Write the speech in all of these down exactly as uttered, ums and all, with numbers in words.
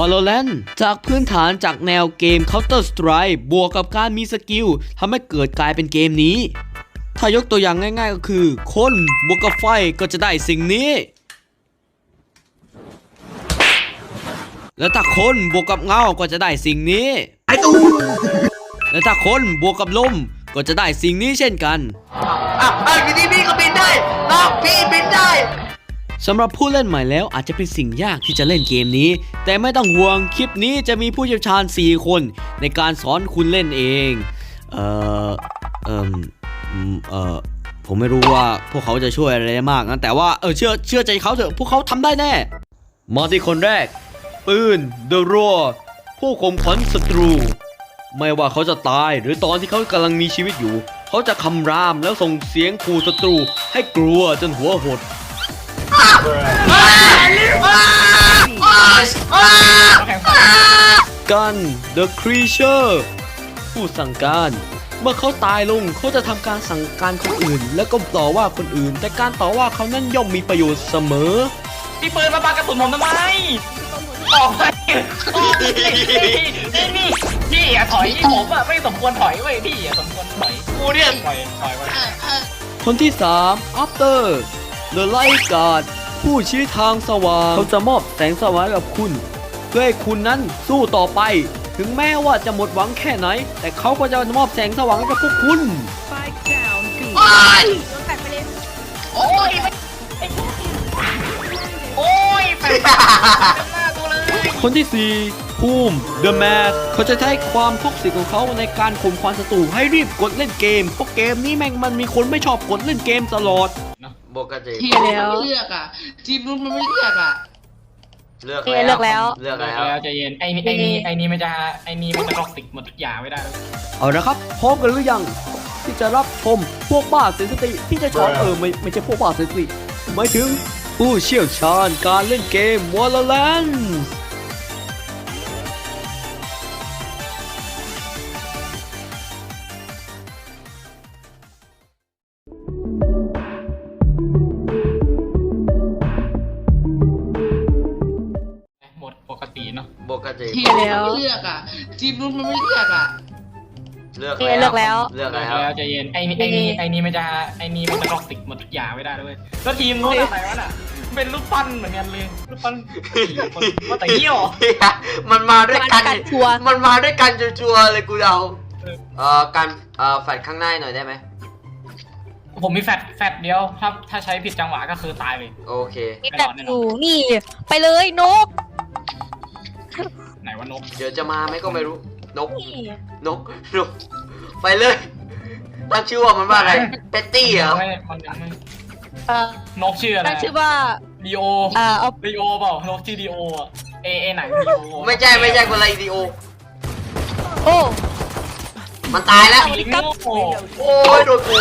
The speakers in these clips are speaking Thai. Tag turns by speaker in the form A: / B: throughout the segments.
A: Valorant จากพื้นฐานจากแนวเกม Counter Strike บวกกับการมีสกิลทำให้เกิดกลายเป็นเกมนี้ถ้ายกตัวอย่างง่ายๆก็คือคนบวกกับไฟก็จะได้สิ่งนี้แล้วถ้าคนบวกกับเงาก็จะได้สิ่งนี้ไอ้ตูแล้วถ้าคนบวกกับลมก็จะได้สิ่งนี้เช่นกัน
B: อ่ะอ่ะอยู่ที่พี่ก็บินได้น้องพี่บินได้
A: สำหรับผู้เล่นใหม่แล้วอาจจะเป็นสิ่งยากที่จะเล่นเกมนี้แต่ไม่ต้องห่วงคลิปนี้จะมีผู้เชี่ยวชาญสี่คนในการสอนคุณเล่นเองเอ่อเอ่อเอ่อผมไม่รู้ว่าพวกเขาจะช่วยอะไรได้มากนะแต่ว่าเออเชื่อเชื่อใจเขาเถอะพวกเขาทำได้แน่มาที่คนแรกปืน The Roar ผู้ข่มขวัญศัตรูไม่ว่าเขาจะตายหรือตอนที่เขากำลังมีชีวิตอยู่เขาจะคำรามแล้วส่งเสียงขู่ศัตรูให้กลัวจนหัวหดกัน The Creature ผู้สั่งการเมื่อเขาตายลงเขาจะทำการสั่งการคนอื่นแล้วก็ต่อว่าคนอื่นแต่การต่อว่าเขานั้นย่อมมีประโยชน์เสมอ
C: พี่ปืนมาปากกระสุนผมทำไมออกไปออกนี่นี่พี่อย่าถอยผมอะไม่สมควรถอยเว้ยพี่อย่าสมควรถอย
B: กูเนี่ย
C: ถอยถอยไป
A: คนที่สาม After The Light Guard ผู้ชี้ทางสว่างเขาจะมอบแสงสว่างกับคุณเพื่อให้คุณนั้นสู้ต่อไปถึงแม้ว่าจะหมดหวังแค่ไหนแต่เขาก็จะมอบแสงสว่างให้กับพวกคุณ
B: โอ้ย
C: โอ้ยโอ้ยแปลกหน้าตัวเลย
A: คนที่สี่ภูมิ The Mask เขาจะใช้ความท็อกซิกของเขาในการข่มขวัญศัตรูให้รีบกดเล่นเกมเพราะเกมนี้แม่งมันมีคนไม่ชอบกดเล่นเกมตลอด
B: ปกติ
D: ทีแล้วเลือกอ่ะทีมนู้นมันไม่เลือกอ่ะ
B: เลือก
D: แล้ว
B: เลือกแล้ว
C: เลือกแล้วใจเย็นไอ้ไอ้นี่ไอ้นี่มันจะไอ้นี่มันจะท็อกซิกหมดทุกอย่างไม่ได้
A: เอาละครับพร้อมกันหรือยังที่จะรับชมพวกบ้าเซนซิทีฟที่จะสอนเออไม่ไม่ใช่พวกบ้าเซนซิทีฟหมายถึงผู้เชี่ยวชาญการเล่นเกม Valorant
C: หมดปกติเนาะ
B: ปกติ
D: ทีแล้วเลือกอ่ะทีมนู้นมันไม่เลือกอ่ะ
B: เลือกแล้วเลือกแล้ว
C: ใจเย็นไอ้ไอ้นี่ไอ้นี่มันจะไอ้นี่มันจะท็อกซิกหมดทุกอย่างไม่ได้ด้วยแล้วทีมนู้นอะไรวะน่ะเป็นรูปปั้นเหมือนกันเลยรูปปั้นว่าแต่เหี้ยว
B: มันมาด้วยกันมันมาด้วยกันชัวร์เลยกูเอาเอ่อการเอ่อแฟลชข้างหน้าหน่อยได้ไหม
C: ผมมีแฟลชแฟลชเดียวถ้าถ้าใช้ผิดจังหวะก็คือตายเลย
B: โอเค
E: แบบอยู่นี่ไปเลยนก
C: ไหนว่านก
B: เดี๋ยวจะมาไหมก็ไม่รู้นกนกนกไปเลยตั้งชื่อว่ามันว่าอะไรเป็ตตี้เหรอ
C: ไม่มันยังไม่นกชื่ออะไร
E: ตั้งชื่อว่า
C: ดีโอ
E: อ่าเอา
C: ดีโอเปล่านกชื่อดีโออะเอเอไหนดีโอ
B: ไม่ใช่ไม่ใช่คนอะไรดีโอ
E: โอ้
B: มันตายแล้วโอ้ยโดนกู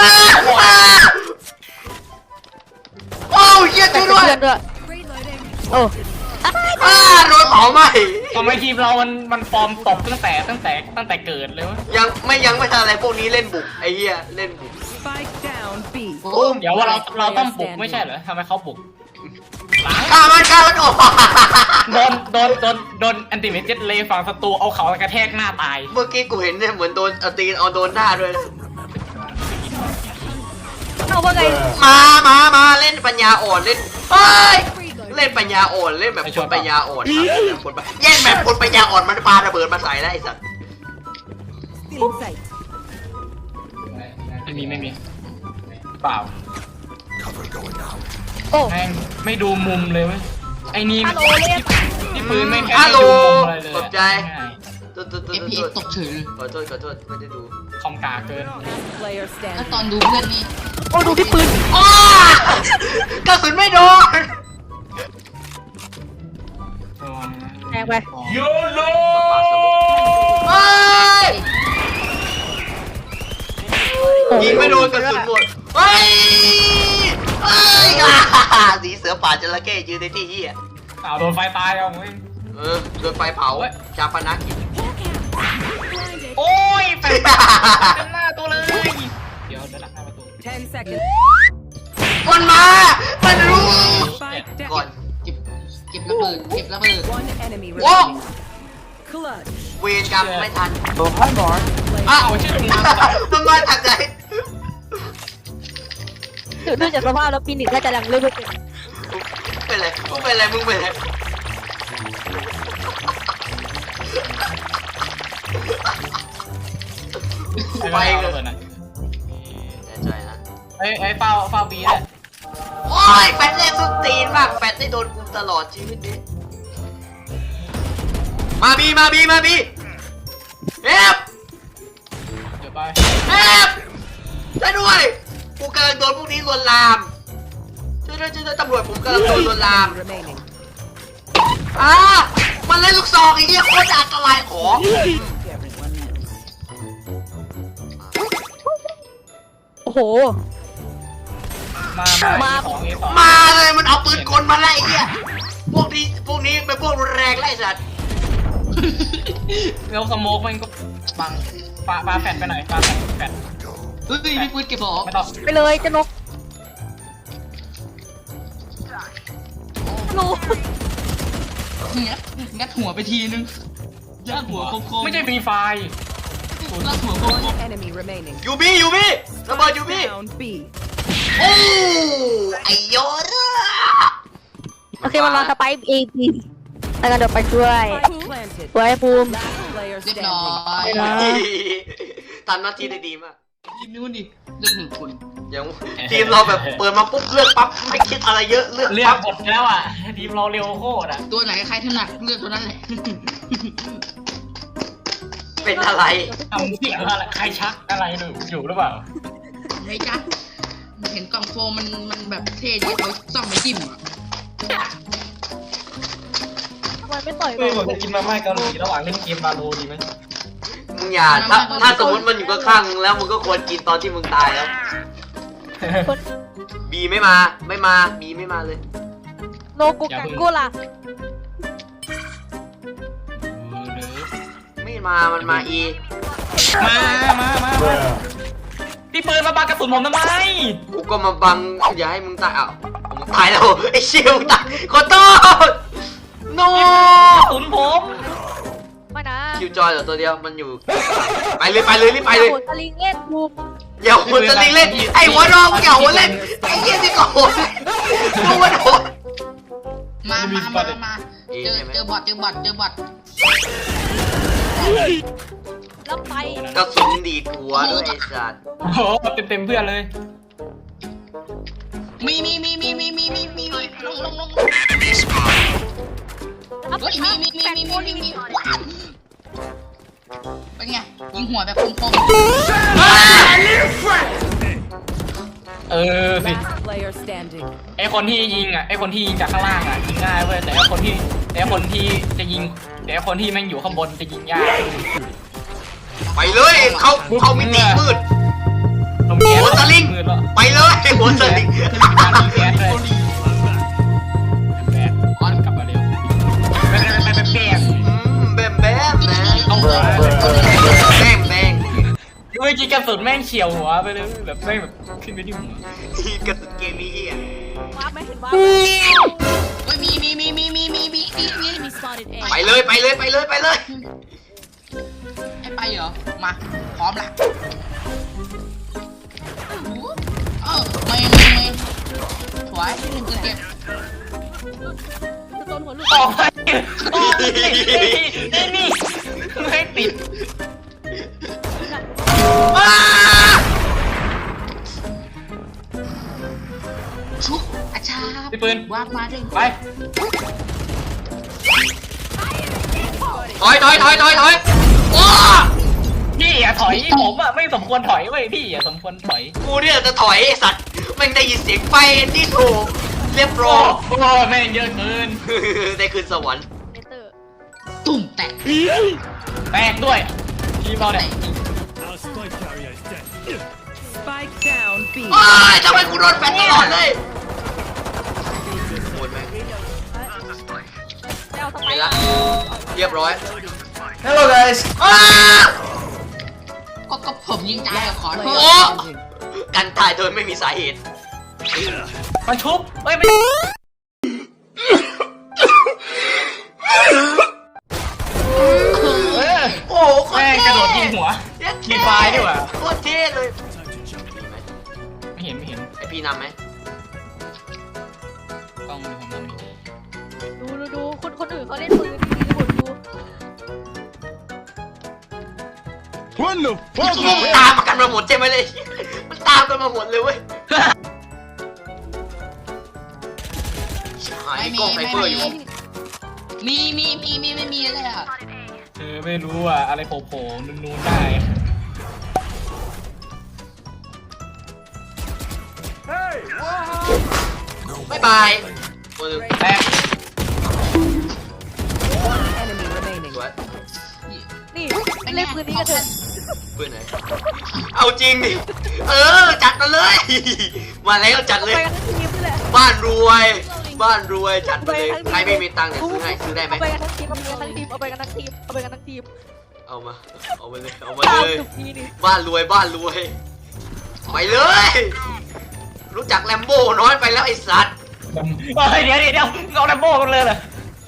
B: โอ้ยเยี่ยมด้วย
E: โอ้
B: อ้าโดนเผาไหม
C: ทำไมทีมเรามันมันฟอร์มตกตั้งแต่ตั้งแต่ตั้งแต่เกิดเลยวะ
B: ยังไม่ยังไม่ทันอะไรพวกนี้เล่นบุกไอ้เหี้ยเล่นบุก
C: เดี๋ยวว่าเราเราต้องบุกไม่ใช่เหรอทำไมเขาบุก
B: ข้ามันข้ามันโอ้
C: โดนโดนโดนโดนแอนติเมจิตเลยฝั่งศัตรูเอาเขากระแทกหน้าตาย
B: เมื่อกี้กูเห็นเนี่ยเหมือนโดนตีนเอาโดนหน้าด้วย
E: เอาว่าไง
B: มามามาเล่นปัญญาอ่อนเล่นเฮ้ยเล่นปัญญาอ่อนเล่นแบบคนปัญญาอ่อนคนแย่งแบบคนปัญญาอ่อนมันปาระเบิดมาใส่ได้ไอ้สัส
C: ไม่มีไม่มีเปล่า
E: โอ้
C: แม่งไม่ดูมุมเลยเว้ยไอ้นี่ที่ปืนไม่แค่
B: ดู
C: มุมอะไรเลย
B: ตกใจ
D: ตัวตัวตัวตัวตกเฉย
B: ขอโทษขอโทษไม่ได้ดู
C: คอมกาเกิน
D: ถ้าตอนดูเพื่อนนี่
E: โอ้ดูที่ปืน
B: กระสุนไม่โดน
E: แทงไป
C: โยโย่
B: ยิงไม่โดนกระสุนหมดเฮ้ยเฮ้ยสีเสือป่าจระเข้ยืนในที่เหี้ย
C: อ้าวโดนไฟตายเอาเว้ย
B: เออโดนไฟเผาชาปนกิจ
C: โอ้ยไฟเต็มหน้าตัวเลยเดี๋ยวเดี๋ยวหลังหน้าประตู
B: มันมามันรู้ก่อน
D: เก็บระเบิดเก็บระเบิด
E: One enemy
B: โอ้
E: remaining. Clutch.
B: เวรกรรมไม่ทัน
C: อ้า
B: อ้าว
C: วชื่อมึง
B: มันมาจากไหน
E: ดูจากสภาพแล้วปีนิกน่าจะดังเรื่อย
B: เป็นไรมึงเป็นไรมึงเป็นไร
C: ไปเลยนะ
B: แน่ใจนะ
C: เฮ้ยเฮ้ยเฝ้าเฝ้าบีเลย
B: โอ้ยแฟนเล่นสุดตีนมากแฟนได้โดนกูตลอดชีวิตนี้มาบีมาบีมาบีเอฟ
C: เดี๋ยวไป
B: เอฟช่วยด้วยกูกำลังโดนพวกนี้ลวนลามช่วยด้วยช่วยด้วยตำรวจผมกำลังโดนลวนลาม
E: ๆ remaining.
B: อ่ามันเล่นลูกซองไอ้เหี้ยโคตรอันตรายขอ
E: โอ้โห
C: มามาของเอสอง
B: มาเลยมันเอาปืนกลมาไล่ไอ้เหี้ยพวกนี้พวกนี้เป็นพวกรุนแรงไล่สัตว์
C: แล้วสโมกมันก็บังปาปาแฟดไปหน่อยปาแฟดแฟด
D: เฮ้ยพี่ปืนเก็บของ
C: ไม่ต้อง
E: ไปเลยเจะนกรู้
D: งัดงัดหัวไปทีนึงงัดหัวคมๆ
C: ไม่ใช่ฟรีไฟ
D: งัดหัวคม
E: One enemy remaining.
B: ยูบี้ยูบี้ระเบิดยูบี้
E: Down B.
B: โอ้ไอโยน
E: โอเคมันวางสไปค์ A B แล้วกันเดี๋ยวไปช่วย
F: planted.
E: ไว้ภูมิ
F: Player
D: ๆเรียบร้อ
F: standing.
D: ย
E: นะ
B: ทำหน้าที่ได้ดีมาก
D: ทีมนู้นดิเลือกหนึ่งคน
B: อย่างทีมเราแบบเปิดมาปุ๊บเลือกปั๊บไม่คิดอะไรเยอะเลือก
C: เลือก
B: ปั๊บ
C: หมดแล้วอ่ะทีมเราเร็วโคตรอ่ะ
D: ตัวไหนใครถนัดเลือกตัวนั้นแหละ
B: เป็นอะไร
C: ทำเสียงอะไรใครชักอะไรหรืออยู่หรือเปล่า
D: ไม่จ๊ะเห็นกล่องโฟมมันมันแบบเท่ดีเขาซ่อมไปจิ้มอ่ะ
E: ทำไมไม่ต่อย
C: เฮ้ยผม
E: กั
C: จะ
E: น
C: กินมาม่าเกาหลีระหว่างเล่นเกมมาโลดีไหม
B: มึงอย่าถ้าถ้าสมมติมันอยู่ข้างๆมึงแล้วมึงก็ควรกินตอนที่มึงตายแล้วบีไม่มาไม่มาบีไม่มาเลย
E: โนกุกังกูล่ะ
B: ไม่มามันมาอี
C: มามามามาพี่ปืนมาปากระสุนผมทำไม
B: กูก็มาบังอย่าให้มึงตายอ้าวมึงตายแล้วไอ้เชี่ยมึงตายขอโทษโน
C: กระสุนผม
E: ไม่นะ
B: คิวจอยเหรอตัวเดียวมันอยู่ไปเลยไปเลยรีบไปเลย
E: โหดตะลิงเล่นภูมิ
B: อย่าหัวจะลิงเล่นไอ้หัวรองอย่าหัวเล่นไอ้เหี้ยนี่ก็โหดมึงมันโหด
D: มามามามาเจอเจอบอทเจอบอทเจอบอท
E: แล้วไป
B: กระสุนดีดหัวด้วยไอ้สัตว์
C: โอ้โหเต็มเต็มเพื่อนเลย
D: มีมีมีมีมีมีมีมีลงลงลงเฮ้ยมีมีมีมีมีมีมีว้าวเป็นไงยิงหัวแบบคม
C: เออสิ
F: Player standing.
C: ไอคนที่ยิงอ่ะไอคนที่ยิงจากข้างล่างอ่ะยิงง่ายเว้ยแต่ไอคนที่แต่ไอคนที่จะยิงแต่ไอคนที่แม่งอยู่ข้างบนจะยิงยาก
B: ไปเลยเขาเขามิติมืด
C: ลมแก๊ส
B: หัวสลิง
C: มืดแล้ว
B: ไปเลยหัวสลิง
C: การยิงแก๊สเลยแบกก้อนกลับมาเร็วแบกแบกแบกแบก
B: อืมแบมแบมนะ
C: ต้องหัว
B: แบมแบม
C: เมื่อกี้กระสุนแม่งเฉียวหัวไปเลยแบบแม่งแบบขึ้นไปที่หัว
B: กระสุนเกมนี้เหี้ย
E: ว้าไม่เห็นว้า
D: ๆเฮ้ยมีมีมีมีมีมีมีมีมี
F: Enemy spotted A.
B: ไปเลยไปเลยไปเลยไปเลย
D: ให้ไปเหรอมาพร้อมละเออไม่ไม่ไม่ถอยหนึ่งเก็บ
E: จะโดนหัวลูก
C: ออกไปออกไปนี่นี่ไม่ติด
B: อ้า
D: ชุบอาชา
C: พี่ปืน
D: วางมาด้วย
C: ไป
B: ถอยถอยถอยถอยถอยโอ้
C: พี่อย่าถอยผมอ่ะไม่สมควรถอยเว้ยพี่อย่าสมควรถอย
B: กูเนี่ยจะถอยไอ้สัตว์แม่งได้ยินเสียงไฟนี่ถูกเรียบร้
C: โอ้
B: อย
C: โหแม่งเยอะเกิน
B: ได้คืนสวรรค์
E: เนเตอร์
D: ตุ่มแตะ
C: แตกด้วยทีมเราเนี่ย
F: Spike down B.
B: โอ้ยทำไมกูโดนแฟนตลอดเลยหมดไหม
E: จะเอาสไป
B: ไป
E: ค์
B: ละเรียบร้อย
C: Hello guys
B: อ้า
D: ก็ก็ผมยิงตายอะขอโท
B: โอ้
D: ษ
B: กันตายโดยไม่มีสาเหตุ
C: มันชุบเอ้ยไม่เออ
B: โอ้โหโคตร
C: แม่ง
B: เท่
C: กระโดดยิงหัว
B: เย้
C: มีไฟดีกว่า
B: โคตรเท่เลย
C: ไม่เห็นไม่เห็น
B: ไอพี่นำไหม
C: ต้องดูผมต้องดู
E: ดูดูดูคนคนอื่นเขาเล่นปืนดีๆคนดู
G: What the fuck?
B: มันตามกันมาหมดใช่ไหมเลย มันตามกันมาหมดเลยเว้ยหาย
D: ไม่
B: มี
D: มี
B: กล้องไซ
D: ไม่
B: เฟอร์อยู่
D: มีมีมีมีไม่มีเลยอ่ะ
C: เออไม่รู้อ่ะอะไรโผล่ๆนูนๆได้
B: บ๊ายบายตัวหนึง
C: แตก
F: Enemy remaining.
B: สวย
E: นี่เล่นปืนนี้กันเถอะ
B: เพื่อนไหน เอาจริงดิ เออ จัดมาเลย มาแล้วจัด
E: เอา
B: เล
E: ไป
B: ย
E: กันทั้งทีมนี่แหละ
B: บ้านรวย บ้านรวยจัดไปเลย ใครไม่มีตังค์เนี่ยซื้อให้ซื้อได้ไหม
E: เอาไปกันทั้งทีมเอาไปกันทั้งทีมเอาไปกันทั้งทีมเอาไปกันทั้งทีม
B: เอามา เอามาเลย เอามา
E: ตาม
B: เลย
E: จุดนี้นี่
B: บ้านรวย บ้านรวย ไปเลย รู้จักแลมโบ้น้อยไปแล้วไอ้สัตว์
C: เฮ้ยเดี๋ยวเดี๋ยวเดี๋ยวเอาดัมโบ้กันเลยเหรอ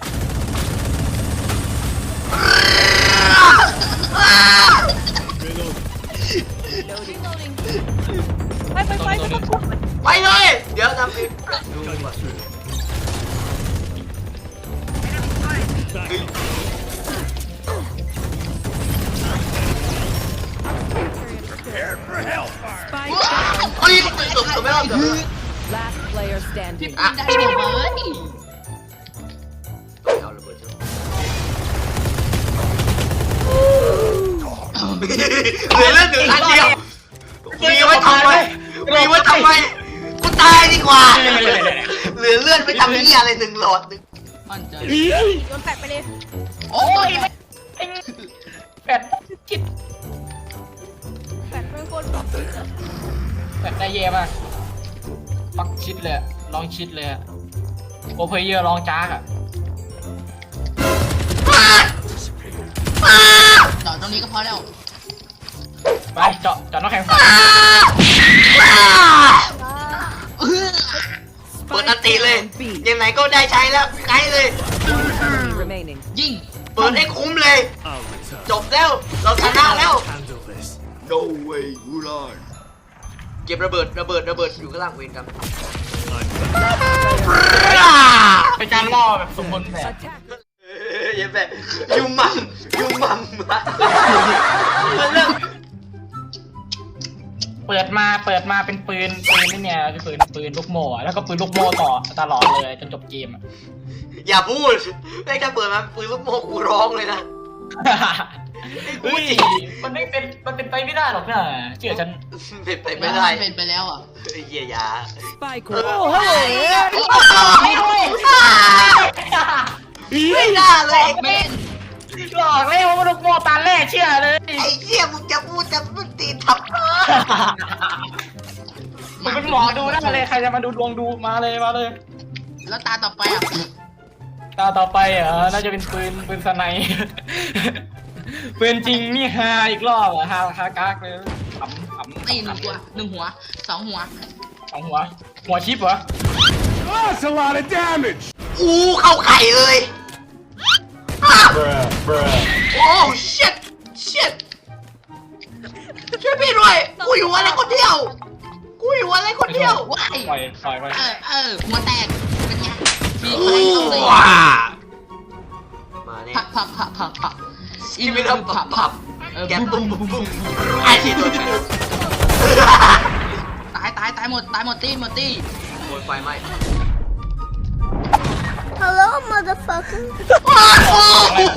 E: ไปไปไปไม่ต้องกลัว
B: ไปเลย เดี๋ยวทำอีกดูก่อนเฮ้ย
F: Spike
B: เฮ้ยเกือบเกือบไม่รอดเกือบไม่รอด
F: last player standing.
B: อ่ะ
D: ได้เดี๋ยวเว้ย
B: เอาระเบิดเถอะเหลือเลือดหนึ่งอันเดียวมีไว้ทำไมมีไว้ทำไมกูตายดีกว่า เหลือเลือดไปทำนี่อะไรหนึ่งหลอดหนึ่ง
D: มั่นใจ
E: โยนแปะไปเลย
D: โอ้ย
C: แปดคิด
E: แปะเป็นคนแบบ
C: แปดได้เย่มากปักชิดเลยอะลองชิดเลยอะโอเพเยอร์ลองจ้ากอะ
D: จอดตรงนี้ก็พอแล้ว
C: ไปเจาะเจาะน้องแข็งไฟ
B: เปิดอันติเลย ยังไงก็ได้ใช้แล้วไกลเลย
F: Enemy remaining.
D: ยิง
B: เปิดให้คุ้มเลย จบแล้ว เราชนะแล้ว No way กูรอดเก็บระเบิดระเบิดระเบิดอยู่ข้างล่างเวนกัน
C: เป็นการล่อแบบสมบูรณ์แบบ
F: Attack.
B: เอ้ยอย่าแบบยูมัมยูมัมเริ่ม
C: เปิดมาเปิดมาเป็นปืนปืนนี่เนี่ยคือปืนปืนลูกโม่อะแล้วก็ปืนลูกโม่ต่อตลอดเลยจนจบเกมอะ
B: อย่าพูดไม่แค่เปิดมาปืนลูกโม่กูร้องเลยนะ
C: เฮ้ยมันไม่เป็นมันเป็นไปไม่ได้หรอกนะเชื่อฉัน
B: เป็นไปไม่ได้
D: เป็นไปแล้วอ่ะ
B: ไอ้เหี้ยยา
F: Spike.
B: โอ้
F: one.
B: โหไม่น่าเลย
D: เม่น
C: หลอกเลยว่าลูกโม่ตาแรกเชื่อเลย
B: ไอ้เหี้ยมึงจะพูดจะมึงตีทำไม
C: มันเป็นหมอดูได้เลยใครจะมาดูดวงดูมาเลยมาเลย
D: แล้วตาต่อไปอ่ะ
C: ตาต่อไปเหรอน่าจะเป็นปืนปืนสไนปืนจริงนี่ฮาอีกรอบเหรอฮาฮากากเลยขำขำ
D: ตีหนึ่งตัวหนึ่งหัวสองหัว
C: สองหัวหัวชิปเหรอ
G: That's a lot of damage.
B: อู้เข้าไข่เลยอ้าว
G: Bruh, bruh.
B: โอ้ shit shit ช่วยพี่ด้วยกูอยู่อะไรคนเดียวกูอยู่อะไรคนเดียว
D: ว้าย
C: ปล่อยปล่อยไป
D: เออเออหัวแตกเป็นไงมี
B: โอ้
D: ใครเข้าเลย
B: ว้ามาเนี่ย
D: ผักผักผักผักผัก
B: อีเวนต์ผับผับ
D: เออ
B: แก
D: บุ้
B: ตุ้
D: ม
B: ม
D: บุ้
B: บุ้
D: ม
B: ม
D: บุ้
B: บุ้
D: ม
B: มไอ้ที่ตัวแทน
D: ตายตายตายหมดตายหมดตีหมดตี
B: โดนไฟไหม้
E: Hello motherfucker
B: โอ้โห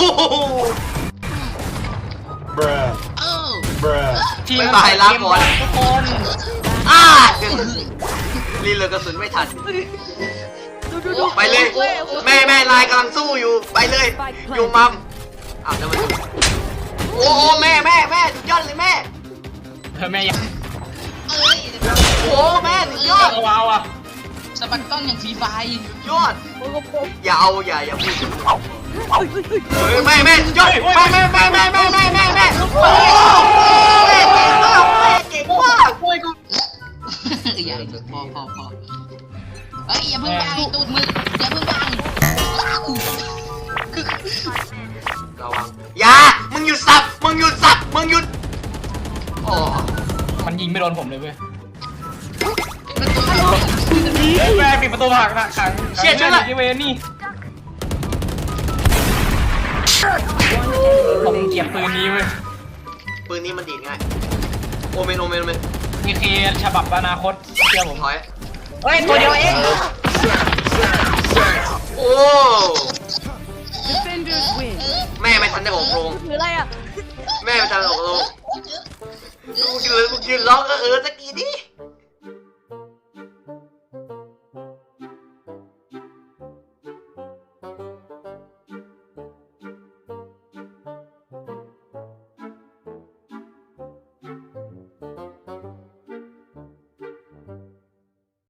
G: Bruh,
D: เออ
G: bruh.
C: ทีม
B: บ๊ายบายลาก่อน
C: ทุกคน
B: อ้าเดี๋ยวรีเลยกระสุนไม่ทัน
E: ดูดูดู
B: ไปเลย แม่แม่ลายกำลังสู้อยู่ไปเลย อยู่มัมอ้าวแล้วมันโอ้โหแม่แม่แม่สุดยอดเลยแม่
C: เธอแม่ยัง
D: เอ้ย
B: โอ้แม่สุดยอด
C: เอาว้าวอ่ะ
D: สะบัดกล้องอย่างฟรีไฟ
B: ยอด
E: โอ้โห
B: อย่าเอาอย่าอย่าพูด
E: เฮ้ยเฮ้ยเฮ้ย
B: เฮ้ยแม่แม่สุดยอดแม่แม่แม่แม่แม่แม่แม่แม่โอ้แม่เก่งมากแม่เก่งมาก
C: ช่วยกู
D: อย่าพอพอพอเอ้ยอย่าเพิ่งวางตูดมืออย่าเพิ่งวางว้าวคือ
B: ระวังอย่ามึงหยุดสับมึงหยุดสับมึงหยุดโอ้
C: มันยิงไม่โดนผมเลยเว้ย
D: ประตูไม่ล็อก
C: เฮ้ยแม่ปิดประตูผักนะขังที่เวนี่ผมเก็บปืนนี้เว้ย
B: ปืนนี้มันดีดง่ายโอเมนโอเมนโอเมน
C: นี่คือฉบับอนาคตเชื่อผม
B: ถอย
C: เฮ้ยตัวเดียวเอง
B: โอ้
F: Defenders win.
B: แม่ไม่ทันได้ออกโรง
E: ถืออะไรอ่ะ
B: แม่ไม่ทันได้ออกโรงกูยืนกูยืนร้องเออเออตะกี้ดิ